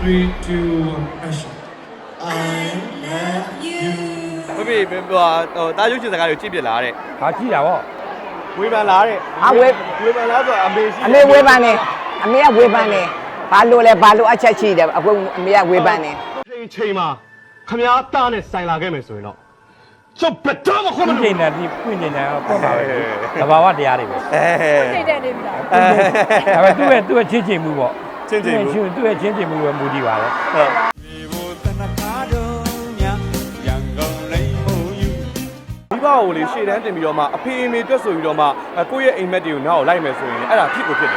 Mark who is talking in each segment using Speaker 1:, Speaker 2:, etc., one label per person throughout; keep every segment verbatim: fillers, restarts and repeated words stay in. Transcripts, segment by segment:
Speaker 1: three two one action
Speaker 2: I love you
Speaker 3: ဘယ်ဘယ်ဟိုတားရုပ်ရှင်စကားတွေကြည့်ပြလာတဲ့
Speaker 4: ဟာကြည့်တာဗော
Speaker 3: ဝေဖန်လာတဲ့
Speaker 5: အဝေး
Speaker 3: ဝေဖန်လာဆိုအမေရှိ
Speaker 5: အမေဝေးပန်းနေအမေကဝေးပန်းနေဘာလို့လဲဘာလို့အချက်ရှိတယ်အခုအမေကဝေးပန်းနေ
Speaker 6: ချိန်ချိန်မှာခမားတားနဲ့ဆိုင်လာခဲ့မယ်ဆိုရင်တော့ကျုပ်ဘယ်တော့မှခွင့်မ
Speaker 4: ပြ
Speaker 6: လို့
Speaker 4: င်းနေတာဒီပြင်းနေတာပေါ့ပါပဲသဘာဝတရားတွေပဲ
Speaker 3: အဲ
Speaker 2: စိတ်တက်နေပြီလား
Speaker 4: ဒါပေမဲ့သူ့ရဲ့သူ့ရဲ့ချင်းချင်းမှုပေါ့
Speaker 3: ချင်းချင်းမှု
Speaker 4: သူ့ရဲ့ချင်းချင်းမှုပဲမူတည်ပါလေ
Speaker 3: ဟုတ်မိဘကိုလေရှေ့တန်းတင်ပြီးတော့မှအဖေအမေတွက်ဆိုပြီးတော့မှကိုယ့်ရဲ့အိမ်မက်တွေကိုနောက်ကိုလိုက်မယ်ဆိုရင်အဲ့ဒါဖြစ်ကိုဖြစ်တယ်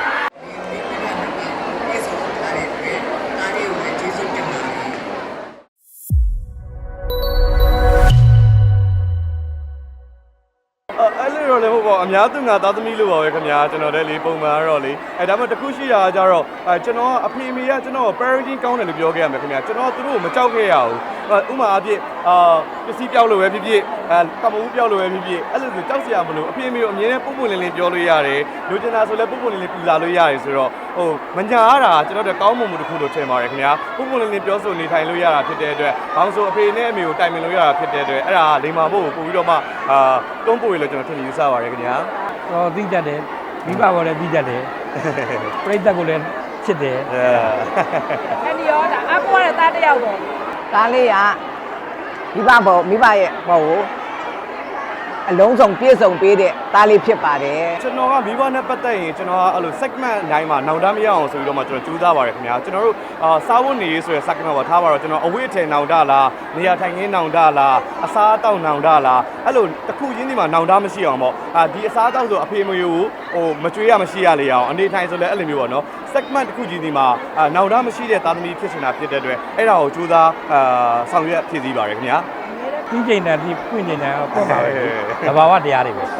Speaker 3: အဲ့လိုတော့လည်းဟုတ်ပါအများသူငါသားသမီးလို့ပါပဲခင်ဗျာကျွန်တော်လည်းလေပုံမှန်တော့လေအဲဒါမှတခုရှိတာကကြတော့အဲကျွန်တော်ကအဖေအမေကကျွန်တော် parenting ကောင်းတယ်လို့ပြောခဲ့ရမယ်ခင်ဗျာကျွန်တော်သူတို့ကိုမကြောက်ခဲ့ရဘူးဥမာအဖြစ်အာပစ္စည်းပြောက်လို့ပဲဖြစ်ဖြစ်အဲကမ္ဘာဦးပြောက်လို့ပဲဖြစ်ဖြစ်အဲ့လိုဆိုကြောက်စရာမလိုအဖေအမေကိုအမြဲတမ်းပုံပုံလင်းလင်းပြောလို့ရတယ်လူကျင်တာဆိုလည်းပုံပုံလင်းလင်းပူလာလို့ရတယ်ဆိုတော့ဟိုမညာရတာကျွန်တော်တို့ကောင်းမွန်မှုတစ်ခုလို့ထင်ပါတယ်ခင်ဗျာပုံပုံလင်းလင်းပြောဆိုနေထိုင်လို့ရတာဖြစ်တဲ့အတွက်ဘောင်ဆိုအဖေနဲ့အမေကိုတိုင်ပင်လို့ရတာဖြစ်တဲ့အတွက်အဲ့ဒါလိမ္မာဖို့ကိုပို့ပြီးတော့မှအာတွန်းပို့ရလို့ကျွန်တော်ထင်ယူဆပါတယ်ခင်ဗျာ
Speaker 4: တော့သိတတ်တယ်မိဘကိုလည်းသိတတ်တယ်ပြိတ္တကိုလည်းချစ်တယ်
Speaker 2: အဲ့ဒီရောဒါအကူရတဲ့သားတစ်ယောက်ပေါ့
Speaker 5: ဒါလေးကမိဘဘောမိဘရဲ့ဘောကိုအလုံးစုံပြည့်စုံပေးတဲ့သားလေးဖြစ်ပါတယ်
Speaker 3: ကျွန်တော်ကမိဘနဲ့ပတ်သက်ရင်ကျွန်တော်ကအဲ့လို segment အတိုင်းမှာနောင်တမရအောင်ဆိုပြီးတော့မှကျွန်တော်ကြိုးစားပါတယ်ခင်ဗျာကျွန်တော်တို့အာစားဝတ်နေရေးဆိုရယ် segment ပါထားပါတော့ကျွန်တော်အဝိအထည်နောင်တလားနေရာထိုင်ခင်းနောင်တလားအစားအသောက်နောင်တလားအဲ့လိုတစ်ခုချင်းဒီမှာနောင်တမရှိအောင်ပေါ့အာဒီအစားအသောက်ဆိုအဖေမယိုကိုဟိုမကြွေးရမရှိရလေအောင်အနေထိုင်ဆိုလည်းအဲ့လိုမျိုးပေါ့နော် segment တစ်ခုချင်းဒီမှာအာနောင်တမရှိတဲ့သားသမီးဖြစ်နေတာဖြစ်တဲ့အတွက်အဲ့ဒါကိုကြိုးစားအာဆောင်ရွက်ဖြစ်စည်းပါတယ်ခင်ဗျာ
Speaker 4: ပြင်းနေတာဒီပြင်းနေတာပေါ့ပါပဲသဘာဝတရားတွေပဲ
Speaker 3: အဲ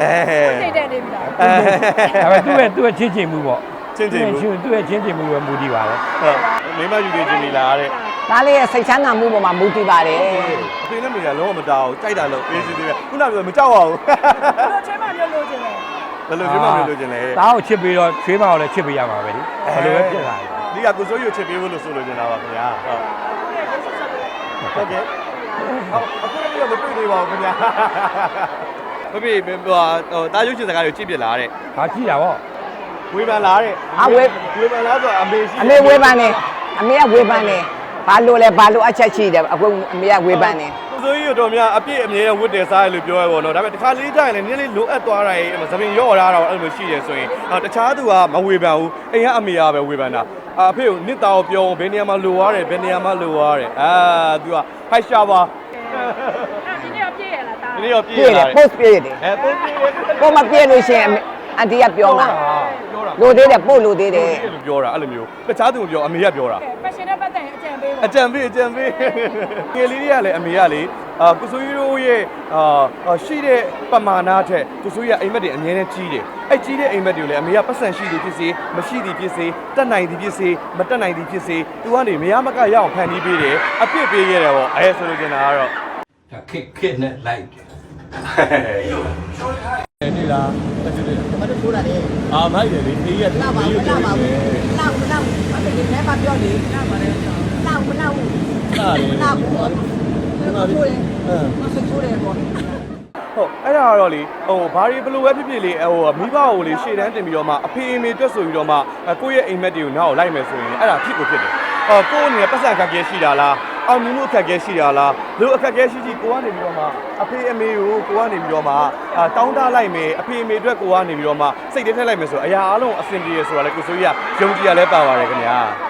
Speaker 2: စိတ်တက်နေပြီလား
Speaker 4: ဒါပေမဲ့သူ့ရဲ့သူ့ရဲ့ချင်းချင်းမှုပေါ့
Speaker 3: ချင်းချင်းမှု
Speaker 4: သူ့ရဲ့ချင်းချင်းမှုပဲမူတည်ပါလေ
Speaker 3: ဟုတ်မိမယူနေချင်းနေလားတဲ့
Speaker 5: သားလေးရဲ့စိတ်ချမ်းသာမှုပေါ်မှာမူတည်ပါတယ်
Speaker 3: အဖေနဲ့မိကလုံးဝမတောင်းကြိုက်တာလို့ပေးစီသေးတယ်ခုနကပြောမကြောက်ပါဘူး
Speaker 2: လို့ချင်းမမျိုးလို့ချင်းလေ
Speaker 3: ဘယ်လိုကျွေးမလို့လို့ကျင်လဲ
Speaker 4: သားကိုချစ်ပြီးတော့ချွေးမအောင်လည်းချစ်ပေးရမှာပဲလေဘယ်လိုပဲဖြစ်လာတယ်
Speaker 3: ဒီကကိုစိုးရုပ်ချစ်ပေးဖို့လို့ဆိုလို့ကျင်တာပါခင်ဗျာဟုတ်ဟုတ်ကဲ့အခုလည်းမတွေ့သေးပါဘူးခင်ဗျာမပြေဟိုတားရုပ်ရှင်စကားတွေကြည့်ပြလာတဲ့
Speaker 4: ဟာကြည့်တာဗော
Speaker 3: ဝေဖန်လာတဲ့
Speaker 5: အဝေး
Speaker 3: ဝေဖန်လာဆိုအမေရှိ
Speaker 5: အမေဝေးပန်းနေအမေကဝေးပန်းနေဘာလို့လဲဘာလို့အချက်ရှိတယ်အခုအမေကဝေးပန်းနေ
Speaker 3: ကိုစိုးရုပ်တော်များအပြည့်အမြဲဝတ်တယ်စားရလို့ပြောရပါတော့ဒါပေမဲ့တစ်ခါလေးတိုင်းလည်းနည်းနည်းလိုအပ်သွားတာရဲ့သပင်ရော့လာတော့အဲ့လိုရှိတယ်ဆိုရင်တခြားသူကမဝေဖန်ဘူးအိမ်ကအမေကပဲဝေဖန်တာအဖေကိုနှစ်သားကိုပြောဘယ်နေရာမှာလိုရတယ်ဘယ်နေရာမှာလိုရတယ်အာသူကဖိုက်ရှာပါ
Speaker 2: အဲ့ဒီနေ့ပြည့်ရလားသား
Speaker 3: ဒီနေ့တော့ပြ
Speaker 5: ပြ
Speaker 3: ည့်
Speaker 5: ည့်တ
Speaker 3: လာ
Speaker 5: ယ်
Speaker 3: တယ်
Speaker 5: post ပြည့်တယ်
Speaker 3: အဲပို့ပြည့်
Speaker 5: ကိုမပြည့်လို့ရှိရင်အန်တီကပြောမှာ
Speaker 3: ပြောတာ
Speaker 5: လို့သေးတယ်ပို့လို့သေးတယ်
Speaker 3: လို့ပြောတာအဲ့လိုမျိုးတခြားသူမပြောအမေကပြောတာ
Speaker 2: ဖက်ရှင်နဲ့ပတ်သက်ရင်အကြံပေးပါ
Speaker 3: အကြံပေးအကြံပေးငယ်လေးတွေကလည်းအမေကလေအာကုဆိုရီတို့ရဲ့အာရှိတဲ့ပမာဏထက်ကုဆိုရီကအိမ်မက်တွေအများနဲ့ကြီးတယ်အဲ့ကြီးတဲ့အိမ်မက်တွေကိုလည်းအမေကပတ်စံရှိသည်ဖြစ်စေမရှိသည်ဖြစ်စေတက်နိုင်သည်ဖြစ်စေမတက်နိုင်သည်ဖြစ်စေသူကနေမရမကရအောင်ဖန်တီးပေးတယ်အပြစ်ပေးရတယ်ပေါ့အဲဆိုလို့ကျင်တာကတော့
Speaker 7: ဒါခက်ခက်နဲ့လိုက်တယ်
Speaker 3: နေလားတက်တယ်မတ်ထိုးတာလေအာမိုက်တယ်လေအေးရလာပါဘူးလာပါဘူး
Speaker 5: လောက်လောက်အဲ့ဒီလည်းမပြောလေလောက်ပါလေလောက်မလောက်ဘူး
Speaker 3: လာတယ်
Speaker 5: လောက်ဘူးဘာထိုးလဲမဆထိုးတယ်ပေါ့
Speaker 3: ဟုတ်အဲ့ဒါကတော့လေဟိုဘာတွေဘလို့ပဲဖြစ်ဖြစ်လေဟိုမိဘကိုလေရှေ့တန်းတင်ပြီးတော့မှအဖေအမေတွက်ဆိုပြီးတော့မှကိုယ့်ရဲ့အိမ်မက်တွေကိုနောက်ကိုလိုက်မယ်ဆိုရင်အဲ့ဒါဖြစ်ကိုဖြစ်တယ်အော်ကိုယ့်အနေနဲ့ပတ်စံခက်ခဲရှိတာလားအောင်မြင်မှုအခက်အခဲရှိတာလားလို့အခက်အခဲရှိရှိကိုကနေပြီးတော့မှအဖေအမေကိုကိုကနေပြီးတော့မှတောင်းတလိုက်မယ်အဖေအမေအတွက်ကိုကနေပြီးတော့မှစိတ်ထဲထည့်လိုက်မယ်ဆိုအရာအလုံးအဆင်ပြေရဆိုတာလေကိုဆိုကြီးကယုံကြည်ရလဲပါပါတယ်ခင်ဗျာ